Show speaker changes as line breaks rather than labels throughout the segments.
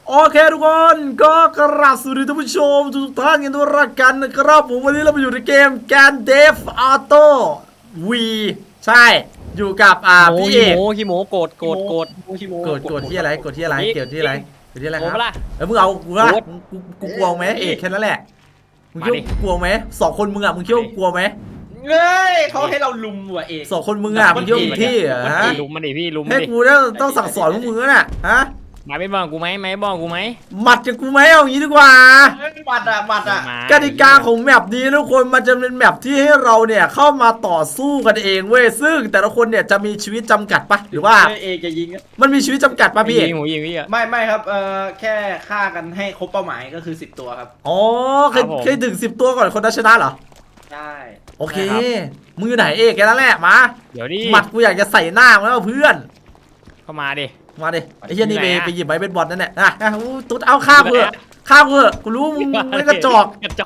โอเคทุกคนก็กราบสวัสดีท่านผู้ชมทุกท่านกันด้วยรักกันนะครับผมวันนี้เราไปอยู่ในเกมแกนเดฟออโต้วีใช่อยู่กับพี่เอก
ขี้โมโกรธ
ที่อะไรกดที่อะไรเกี่ยวที่อะไรครับแล้วมึงเอากูละกูกลัวไหมเอกแค่นั้นแหละมึงคิดว่ากลัวไหม2 คนมึงมึงคิดว่ากลัวไหม
เฮ้ยเขาให้เราลุมว่ะเอก
2 คนมึงมึงคิดว่ามึงที่ฮะ
ลุมมันดิพี่ลุม
ให้กูต้องสั่งสอนมึงน่ะฮะ
มาไม่บ้องกูไหมไม่บ้องกูไหม
หมัดกับกูไหมเอางี้ดีกว่า
หมัด
กติกาของแมปนี้ทุกคนมันจะเป็นแมปที่ให้เราเนี่ยเข้ามาต่อสู้กันเองเว้ยซึ่งแต่ละคนเนี่ยจะมีชีวิตจำกัดปะหรือว่า
เอกจะยิง
มันมีชีวิตจำกัดปะพี่
ยิงพี่
ไม่ครับแค่ฆ่ากันให้ครบเป้าหมายก็คือ10 ตัวครับ
อ๋อเคยถึง10 ตัวก่อนคนนั้นชนะเหรอ
ใช่
โอเคมือไหนเอกแกนั่นแหละมา
เดี๋ยวดิ
หมัดกูอยากจะใส่หน้ามึงแล้วเพื่อน
เข้ามาดิ
ไอ้เหี้ยนี่ไปหยิบไม้เบสบอลนั่นแหละตุ๊ดเอาข้ามเถอะกูรู้มึงไม่กระจอก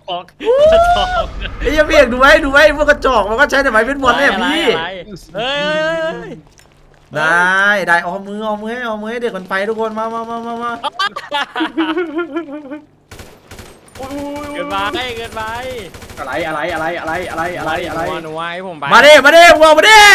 ไอ้เหี้ยพี่เอกดูไว้พวกกระจอกมันก็ใช้แต่ไม้เบสบอลเนี่ยพี่ได้เอามือให้เด็กมันไปทุกคนมา
เกินไป
อะไร
หนูไว้ผมไป
มาดิวัวมาดิ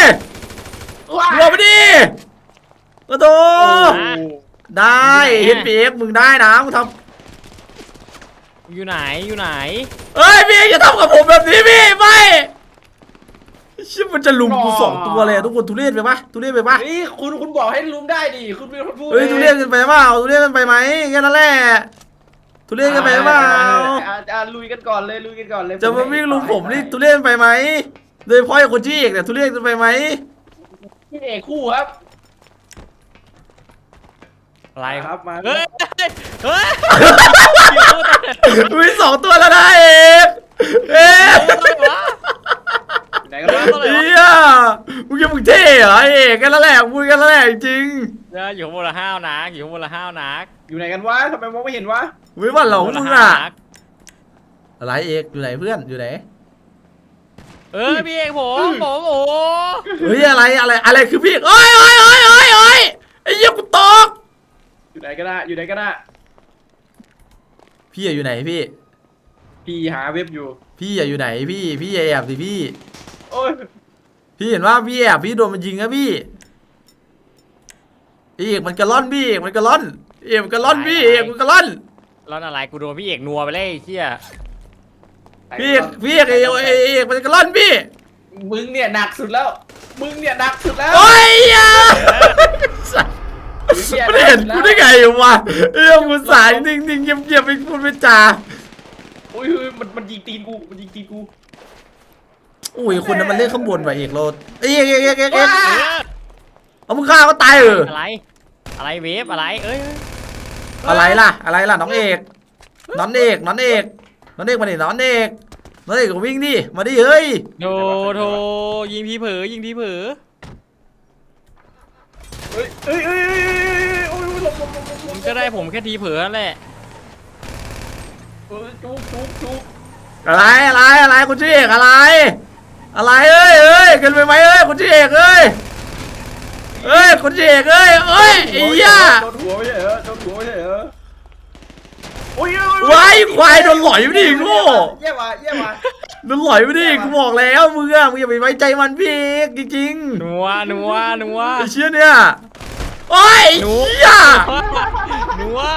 กระโดดได้เห็นปีเอฟมึงได้นะมึงท
ำอยู่ไหน
เอ้ยพี่อย่าทำกับผมแบบนี้พี่ไม่ชิบมันจะลุมกู2 ตัวเลยทุกคนทุเรศไปปะ
นี่คุณบอกให้ลุมได้ดิคุณเป็นคนพูด
เฮ้ยทุเรศกันไปเปล่าทุเรศกันไปไหมแค่นั้นแหละทุเรศกันไปเปล่า
ลุยกันก่อนเลย
จะมาวิ่งลุมผมนี่ทุเรศไปไหมโดยเฉพาะไอ้คนที่เอกเนี่ยทุเรศกันไปไหม
พี่เอกคู่ครับ
อะไร
ครับมา
เฮ้ย
มี2 ตัวแล้วนะเอก
ไหนกันวะ
มึงยังมึงเท่เหรอเอกกันแล้วแหละมึงกันแล้วแหละจริง
อยู่ข้างบนละห้าวนัก
อยู่ไหนกันวะทำไมมองไม่เห็นวะ
ไม่ว่าเรามึงอะไรเอกอยู่ไหนเพื่อนอยู่ไหน
พี่เอกผมโอ้
เฮ้ยอะไรคือพี่โอ้ยไอ้เหี้ยกูตก
อยู่ไหนก็ได้
พี่อยู่ไหน
พี่หาเว็บอยู่
พี่อยู่ไหนพี่แอบสิพี่
โอ้ย
พี่เห็นว่าพี่แอบพี่โดนมันยิงนะพี่เอกมันกระล่อนพี่เอกมันกระล่อนพี่เอกมันกระล่อน
อะไรกูโดนพี่เอกนัวไปเลยเชี่ย
พี่เอกมันกระล่อนพี่
มึงเนี่ยหนักสุดแล้ว
โอ้ยไม่เห็นกูได้ไงวะกูสายนิ่งเงียบไปพูดไม่จา
โอ้ยมันยิงตีนกู
โอ้ยคนนั้นมันเล่นข้างบนว่ะเอกโรดเอกเอามึงฆ่าก็ตาย
อะไรเวฟอะไร
อะไรล่ะน้องเอกมาดิน้องเอกก็วิ่งดิมาดิเฮ้ย
โธยิงทีเผลอผมก็ได้ผมแค่ทีเผลอนั่นแหละ
จุก
อะไรคุณชื่อเอกอะไรเอ้ยกันไปไหมคุณชื่อเอกเอ้ยคุณชื่อเอกไอ้ย่า
โดนหัวไม่ใช่เหรอ
ว้ายควายโดนหลอยไปดิโง่
เยี่ยม
โดนหลอยไปดิกูบอกแล้วมึงอย่าไปไว้ใจมันพี่จริง
ๆนัว
ไอ้เชี่ยเนี่ยโอ้ยย่า
นัว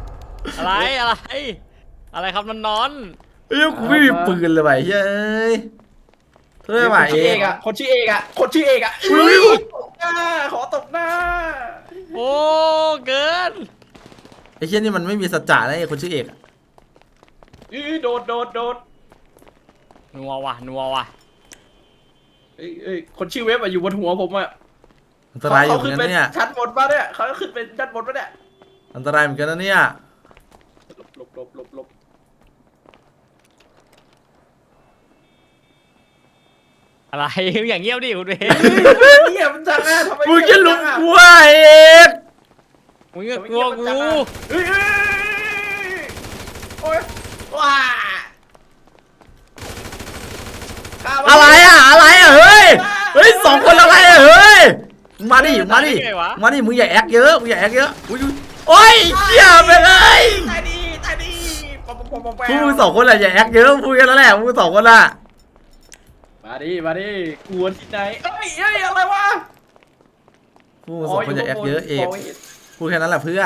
อะไรครับนอน
กูไม่มีปืนเลยว่ะเฮ้ยเท่าไหร่เอก
คนชื่อเอกขอตบหน้า
โอ้เกิน
ไอ้เชี่ยนี่มันไม่มีสัจจะนะไอ้คนชื่อเอก
โดด
นัวว่ะ
คนชื่อเว็บอยู่บนหัวผมอ่ะ
อันตรายอยู่เหมือนกันเนี่ย
ชั้นบนมาเนี่ยเขาขึ้นเป็นชั้นบนมาเนี่ย
อันตรายเหมือนกันนะเนี่ย
หลบ
อะไรอย่างเงี้ยดิคุณเว
เงียบจังนะทำไม
มึงจะลุกกูเอก
มึงกลัวกู
โอ๊ยว้า
อะไรเฮ้ย2 คนอะไรเฮ้ยมาดิมึงอย่าแอคเยอะโอ้ยเหี้ยไปเลย
ว
พวกมึงสองคนแหละอย่าแอคเยอะพูดกันแล้วแหละพวกมึงสองคนละ
มาดิกวนที่ไหนเอ้ยอะไรวะ
พวกมึงสองคนอย่าแอคเยอะเอก
โย
พูดแค่นั้นแหละเพื่อน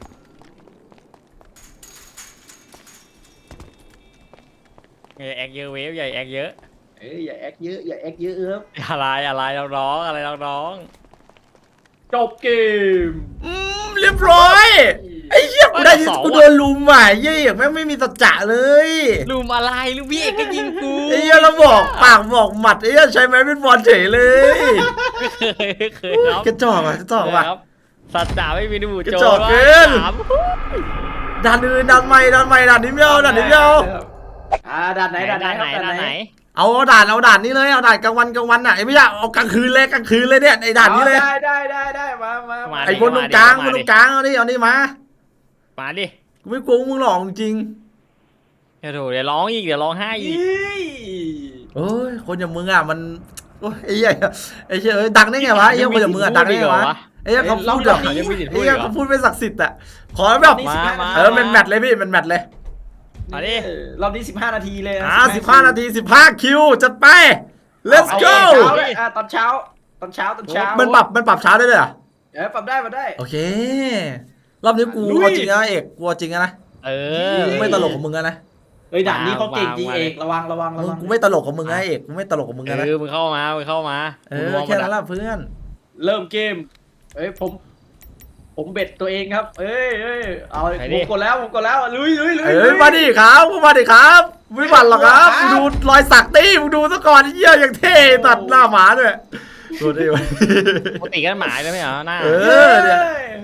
อย่าแอกเยอะเวฟอย่าแอกเยอะ
เอ้ยอย่าแอคเยอะอย่าแอคเยอะครับ
อะไรเราร้องอะไรเราร้อง
จบเกม
เรียบร้อยไอ้เหี้ยกูได้ยินกูโดนลุมอ่ะเหี้ยเอกแม่งไม่มีสัจจะเลย
ลุมอะไรลูกพี่เอกก็ยิงกู
ไอ้เหี้ยเราบอกปากบอกหมัดไอ้เหี้ยใช้ไม้เป็นบอลเฉยเลย
ไม่เคยครับ
กระจอกอ่ะกระจอกว่ะ
ครับสัจจะไม่มีดู
กระ
โจ
จอกเกิน
ถาม
ดันอื่นดันใหม่ดันนี้ไม่เอาดันนี้ไม่เอา
ด่านไหนครับ
ด้านไหน
เอาด่านนี้เลยเอาด่านกลางวันอ่ะไอ้ไม่ใช่เอากลางคืนเลยเนี่ยไอ้ด่านนี้เลย
ได้มา
ไอ้บนตรงกลางเอานี่มา
มาดิ
กูไม่กลัวมึงหรอกจริง
เดี๋ยวเดี๋ยวร้องอีกเดี๋ยวร้องไห้อีก
โอ้ยคนอย่างมึงอ่ะมันโอ้ยไอ้เหี้ยเอ้ยดังได้ไงวะไอ้เหี้ยคนอย่างมึงอ่ะดังได้ไงวะไอ้เหี้ยเขาพูดแบบไอ้เหี้ยเขาพูดไม่ศักดิ์สิทธิ์อ่ะขอแบบเป็นแมตช์เลยพี่เป็นแมตช์เลย
มาดิ
รอบนี้15 นาทีเลย
15 นาที15 คิวจัดไป let's go
ตอนเช้า
มันปรับช้าได้ด้วยเหรอ
ปรับได้
โอเค รอบนี้กูเอาจริงนะเอกกูเอาจริงนะ
เออ
กูไม่ตลกกับมึงนะ
เฮ้ยด่านนี้เขาเก่งจริงเอกระวัง
กูไม่ตลกกับมึงนะเอกกูไม่ตลกกับมึงนะ
มึงเข้ามา
แค่นั้นแหละเพื่อน
เริ่มเกมเฮ้ยผมเบ็ดตัวเองครับเอ้ยเอาผมกดแล้วลุย
มาดิครับไม่หวั่นหรอกครับมึงดูรอยสักตี้มึงดูซะก่อนเยี่ยอย่างเท่ตัดหน้าหมาด้วยดูดิวะ
ปกติกันหมายเลยไหมเหรอหน้า
เนี่ย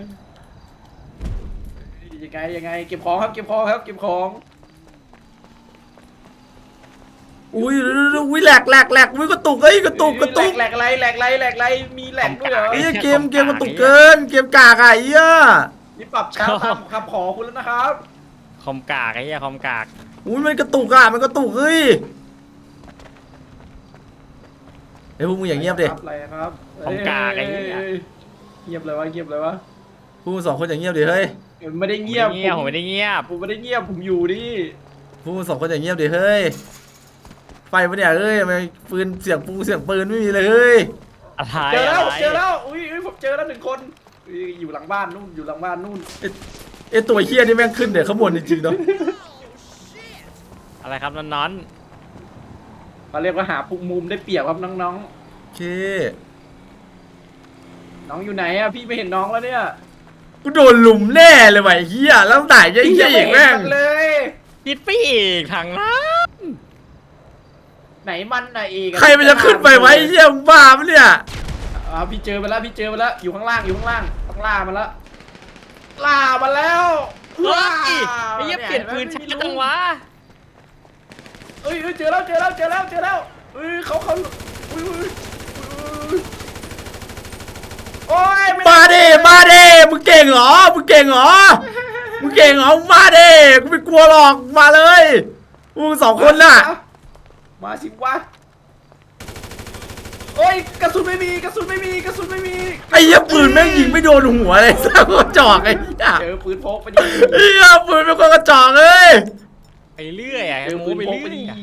ยังไงเก็บของครับเก็บของ
อุ้ยแหลกอุ้ยกระตุกกระตุก
แหลกไรมีแหลกด้วยเหรอ
ไอ้เกมกระตุกเกินเกมกากอ่ะไอ้เหี้ย
นี่ปรับเช้าตามคำขอคุณแล้วนะครับ
คอมกากไอ้เหี้ยคอมกาก
อุ้ยมันกระตุกอ่ะมันกระตุกเฮ้ยไอ้พวกมึงอย่างเงียบดิ
อะไรครับ
คอมกากไอ้เหี้ย
เงียบเลยวะ
พวกมึงสองคนอย่างเงียบดิเฮ้ย
ไม่ได้เงียบ
ผมไม่ได้เงียบ
ผมไม่ได้เงียบผมอยู่ดิ
พวกมึงสองคนอย่างเงียบดิเฮ้ยไฟปะเนี่ยเฮ้ยทำไมปืนเสียงปืนไม่มีเลยเฮ้ย
อะไร
เจอแล้วอุ้ยผมเจอแล้ว1 คนอยู่หลังบ้านนู่น
ไอ้ตัวเฮี้ยนี่แม่งขึ้นเดี๋ยวข้างบนจริงๆเนาะ
อะไรครับน้อน
เขาเรียกว่าหาปุกมุมได้เปรียบครับน้อง
โอเค
ๆน้องอยู่ไหนอะพี่ไม่เห็นน้องแล้วเนี่ย
กูโดนลุมแน่เลยว่ะไอ้เฮี้ยแล้วไหนไอ้เฮี้ยอีกแม่ง
เลย
ๆปิดปีกทางนั้น
ไหนมันไหนเอก
ใครมันจะขึ้นไปไว้ไอ้เฮี้ยมึงบ้าปะเนี่ย
พี่เจอไปแล้วอยู่ข้างล่างต้องล่ามันแล้วล่ามันแล้ว
เฮ้ยไอ้เหี้ยเปลี่ยนปืนช้าจังวะ
เอ้ยเจอแล้วเอ้ยเขาอุ้ยโอ้ย
มาดิมึงเก่งเหรอมึงมาดิกูไม่กลัวหรอกมาเลยมึงสองคนน่ะ
มาสิวะโอ้ยกระสุนไม่มี
ไอ้เหี้ยปืนแม่งยิงไม่โดนหัวเลยสักกระจอกไอ้เหี้ย
เจอปืนพกไปดิ
ไอ้เหี้ยปืนเป็นคนกระจอกเลย
ไปเรื่อยอ่ะ
เจอ
โม
ปืน
ไป
พก
เรื่
ไป
อย
ดิ
อะ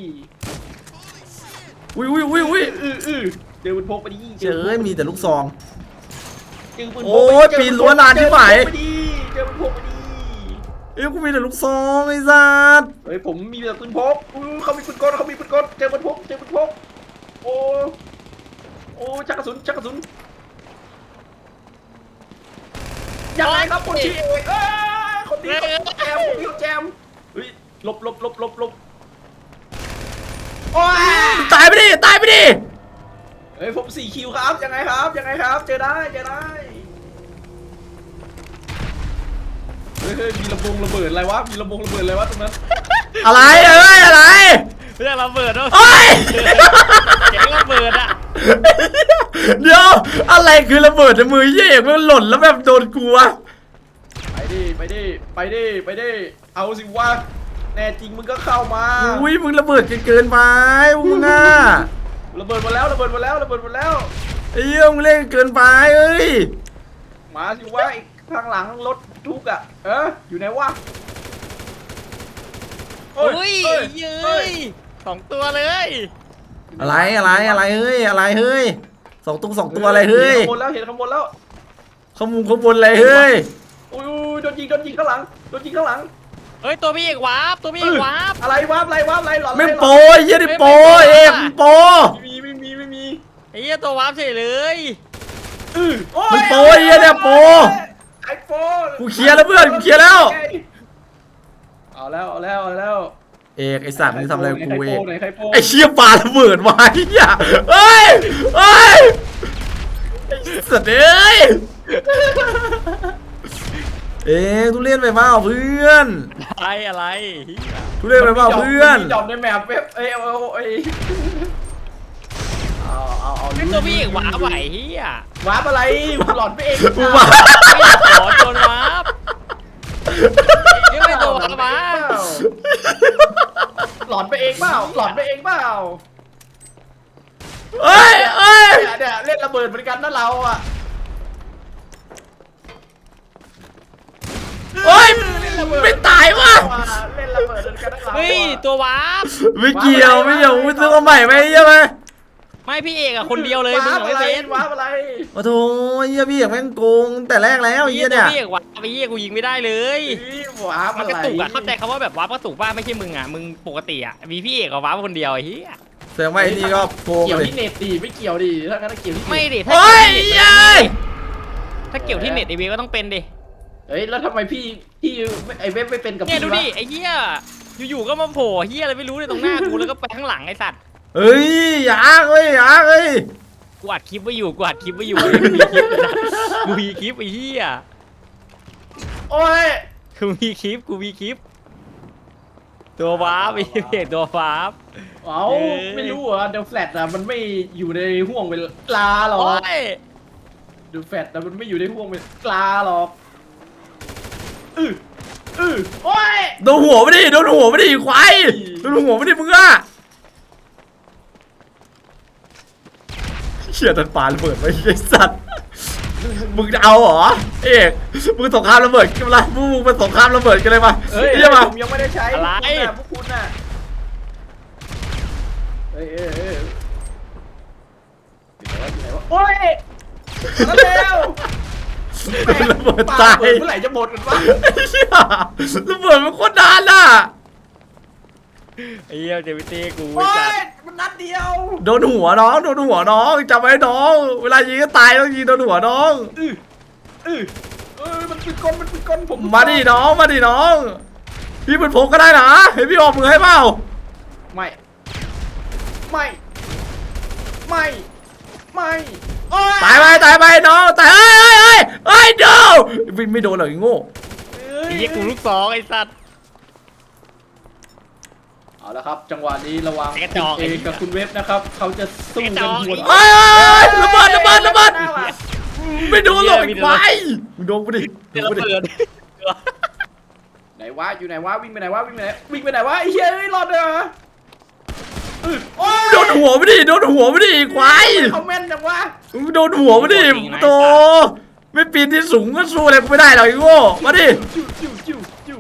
อุ้ย
เจอปืนพกไปดิ
เจอมีแต่ลูกซอง
เจอปืนพก
โอ้ยปีนรั้วนานที่ไหน
เจอปืนพกไปดิ
เอ้ยกูมีแต่ลูกซองไอ้สัส
เฮ้ยผมมีแต่ปืนพกเขามีปืนกลเจอปืนพกโอ้ชักกระสุนยังไงครับคนชี้คนนี้เขาแจมเฮ้ยลบโอ้ย
ตายไปดิ
เฮ้ยผม4 คิวครับยังไงครับเจอได้เฮ้ยมีระเบิดอะไรวะตรงนั้น
อะไรอะไร
เรื่องระเบิดด้วย
โอ้ย
เสียงระเบิดอ่ะ
เดี๋ยวอะไรคือระเบิดในมือเหี้ยเอกมันหล่นแล้วแบบโดนกูวะ
ไปดิเอาสิวะแน่จริงมึงก็เข้ามา
อุ้ยมึงระเบิดเกินไปมึงอ่ะ
ระเบิดมาแล้ว
ไอ้เหี้ยมึงเล่นเกินไปเอ้ย
มาสิวะอีกข้างหลังรถทุกอ่ะอยู่ไหนวะโอ้
อุ้ยเย้ย2 ตัวเลย
อะไรเฮ้ยอะไรเฮ้ยสองตัวอะไรเฮ้ย
เห็นข้างบนแล้วเห็นข้างบนแล้ว
ข้างบนอะไรเฮ้ย
อุ้ยโดนยิงข้างหลังโดนยิงข้างหลัง
เฮ้ยตัวพี่เอกวาร์ปตัวพี่เอกวาร์ป
อะไรวาร์ปอะไรหลอน
ไม่โปรยยี่ดิโปรเอกมันโปร
ไม่มี
ไอ้เหี้ยตัววาร์ปเฉยเลย
มันโปรยี่เนี่ยโปร
ไอโฟน
กูเคลียร์แล้วเพื่อนกูเคลียร์แล้ว
เอาแล้ว
เอกไอสัตว์มึงทำอะไรกูเอก
ใครโป้
ไอเชี่ยปลาระเบิดมาไอ้เหี้ยเฮ้ยไอ้สัตว์เอ้ยเอ๊ะทุเรียนไปเปล่าเพื่อน
อะไรเหี้ย
ทุเรียนไปเปล่าเพื่อน
จอมในแมปเว็บเอา
ตัวพี่เอกวาร์ปไหวเหี้ยว
าร์ปอะไรหลอนไปเอง
กูมา
ขอโดนวาร์ปยังไม่ตัววาร์ปมา
หลอนไปเองเปล่า
เอ้ย
เนี่ยเล่นระเบิดเหมือนกันนะเราอ่ะ
เฮ้ยไม่ตายวะ
เล่นระเบิดเหมือนกันนะเรา
เฮ้ยตัววาร์ป
ไม่เกี่ยวมึงซื้อมาใหม่ไหมใช่ไหม
ไม่พี่เอกอะคนเดียวเลยมึงไม่เป็น
วาร์ปอะไร
โอ้โหเหี้ยพี่อยากแม่งโกงแต่แรกแล้วเหี้ยเนี่ย
พี่เอกวาร์ปไปเหี้ยกูยิงไม่ได้เลย
วาร์ป
มัน
อะไร
กระตุกอะเข้าใจคำว่าแบบวาร์ปกระตุกป่ะไม่ใช่มึงอะมึงปกติอะมีพี่เอกกับวาร์ปคนเดียวไอ้เหี้ย
แสดงว่าไอ้นี่ก็โกง
เกี่ยว
เลย
ที่เน็ตดีไม่เกี่ยวดิถ้างั้นเกี่ยวที่
ไม่ดิ
เฮ้ยยัย
ถ้าเกี่ยวที่เน็ตไอเวก็ต้องเป็นดิ
เฮ้ยแล้วทำไมพี่ไอเว็บไม่เป็นกับ
เนี่ย
พี่
ดู
วะ
ดิไอ้เหี้ยอยู่ๆก็มาโผล่เหี้ยอะไรไม่รู้ในตรงหน้ากูแล้วก็ไปข้างหลังไอ้สัตว์
เฮ้ยอยากเฮ้ย
กูอัดคลิปไว้อยู่กูมีคลิปไอ้เหี้ย
โอ้ย
กูมีคลิปตัววาร์ปไอ้เอกตัววาร์ป
เอาไม่รู้เหรอเดลแฟลตอะมันไม่อยู่ในห่วงเวลาหรอ
โอ้ย
เดลแฟลตอะมันไม่อยู่ในห่วงเวลาหรอกโอ้ย
โดนหัวไม่ดิควายโดนหัวไม่ดิมึงอะเชี่ยตันปาระเบิดไว้ไอ้สัตว์มึงจะเอาเหรอเอกมึงสงครามระเบิดกันละมึงเป็นสงครามระเบิดกันเลยมา
เฮ้ย
ใช่ปะ
ผมยังไม่ได้ใช้พวกคุณน่ะเฮ้ยอยู่ไหนวะโอ้ยมาแล้ว
ระเบิดตาย
เมื่อไหร่จะหมดกันวะ
ไอ้เหี้ยระเบิดมันโคตรนานน่ะ
ไอ้เหี้ยเจมิตี้กู
โอ้
จัด
ยมันนัดเดียว
โดนหัวน้องจำไว้น้องเวลายิงก็ตายต้องยิงโดนหัวน้อง
มันเป็นก้นผม
มาดิน้องพี่เป็นผมก็ได้นะเห็นพี่ออกมือให้เปล่า
ไม่
ตายไปน้องตายเฮ้ยเดี๋ยวไม่โดนหรอกไอ้โง่
ไอ้เหี้ยกูลูกสองไอ้สัตว์
เอาละครับจังหวะนี้ระวัง
กระจอก
เองกับคุณเว็บนะครับเขาจะสู้กันหัว
เฮ้ยระเบิดไม่โดนหรอกไอ้ควายมึงโดนกูดิ
เดี๋ยวเราเปิด
ไหนวะอยู่ไหนวะวิ่งไปไหนวะไอ้เหี้ยรอดเลยเหรอ
โดนหัวไม่ดิควาย
เขาแม่นจังวะ
มึงโดนหัวไม่ดิโตไม่ปีนที่สูงก็สู้อะไรกูไม่ได้หรอกไอ้โง่มาดิ
จิ้ว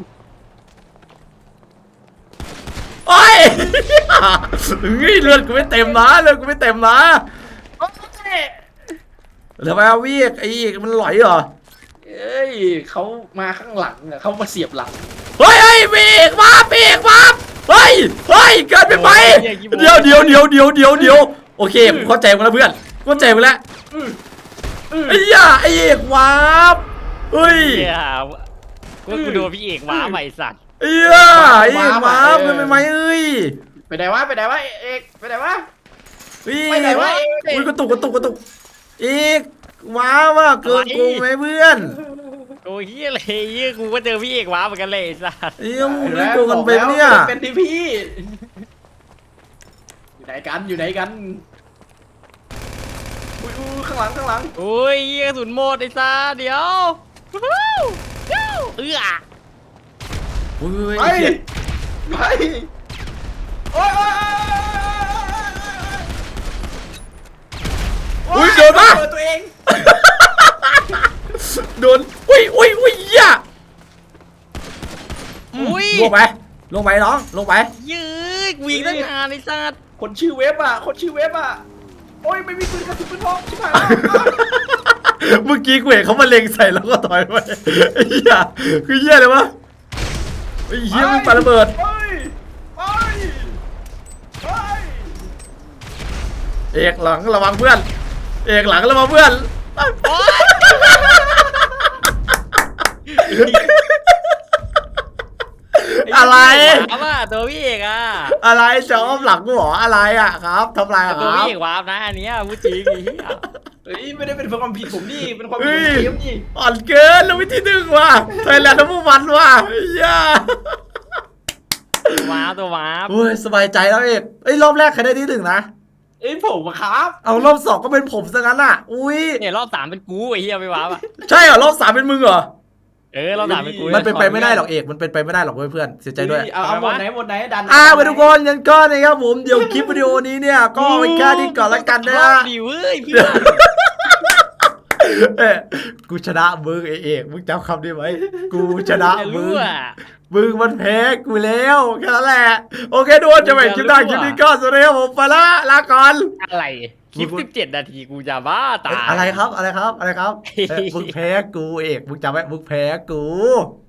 โอ้ยเลือดกูไม่เต็มนะทำไมเอาวิ่งไอ้อีกมันหลอยเหรอ
เอ้ยเขามาข้างหลังอะเขามาเสียบหลัง
เฮ้ยวิ่งมาเฮ้ยเกินไปไหมเดี๋ยวโอเคผมเข้าใจมึงแล้วเพื่อนเข้าใจมึงแล้วไอ้เอกวาบเฮ้ย
เหี้ยกูโดนพี่เอกว้าใหม่สัตว์
เอกวาบเกินไปไหมเอ้ย
ไปไหนวะเอกไปไหนวะ
ไปไหนวะอุ้ยกระตุกเอกว้าว่าเกินกูไหมเพื่อน
โอ้ยเหี้ยอะไรเหี้ยกูก็เจอพี่เอกว้าเหมือนกันเลยไอ้สัตว์
มึงเล่นโกงกันไปเนี่ย
เป็นทีพีอยู่ไหนกันข้างหลัง
โอ้ยเหี้ยกระสุนหมดไอ้สัตว์เดี๋ยว
อุ้ย
ไปโอ้ย
อุ้ยโดนปะ
ตัวเอง
โดนอุ้ยอ่ะ
อุ้ย
ลวกไหมลงไปน้องลงไป
ยืดวิ่งตั้งนานไอ้สัตว์
คนชื่อเว็บอ่ะคนชื่อเว็บอ่ะโอ้ยไม่มีปืนกระสุนปืนพกชิบหายแล้ว
เมื่อกี้กูเห็นเขามาเล็งใส่แล้วก็ถอยไปไอ้เหี้ยคือเหี้ยเลยวะไอ้เหี้ยมันปาระเบิด
ไปไปไป
เอกหลังระวังเพื่อน เอกหลังระวังเพื่อน อะไร
วาร์ปอ่ะตัวพี่เอกอ่ะ
อะไรจะอ้อมหลังกูเหรออะไรอ่ะครับทำลายอ่ะค
ตัว
รับ
พี่เอกวาร์ปนะอันเนี้ยพูดจริงไอ้เหี้ย
เฮ้ยไม่ได้เป็นความผิดผมนี่เป็นความผิดของเกมนี่
อ่อนเกินแล้ววิธีหนึ่งว่ะไทยแลนด์ทั้งพวกมันว่ะไอ้เหี้ย
ตัววาร์ป
โอ้ยสบายใจแล้วเอกเอ้ยรอบแรกใครได้ที่หนึ่งนะ
เอ้ยผมอะครับ
เอารอบสองก็เป็นผมซะงั้นอ่ะ อุ้ย
เนี่ยรอบ3เป็นกูไอ้เหี้ยไม่วาร์ปอ่ะ
ใช่เหรอรอบสามเป็นมึงเหรอ
รอบ3เป็นกู
มันเป็นไปไม่ได้หรอกเอกมันเป็นไปไม่ได้หรอกเพื่อนเสียใจด้วย
เอาหมดไหนหมดไหนดัน
ไปทุกคนงั้นก็นะครับผมเดี๋ยวคลิปวิดีโอนี้เนี่ยก็ไว้แค่นี้ก่อนละกันนะ
รอบดีเว้ยพี่
เอ้ยกูชนะมึงไอเอกมึงจำคำได้ไหมกูชนะ
จะ
มึ
รู้
ง
อ่ะ
มึงมันแพ้กูแล้วแค่นั้นแหละโอเคทุกคนจะไปคลิปหน้าคลิปนี้ก็สวัสดีครับผมไปละลาก่อน
อะไรคลิป17 นาทีกูจะบ้าตาย
อะไรครับอะไรครับอะไรครับมึงแพ้กูเอกมึงจำไว้มึงแพ้กู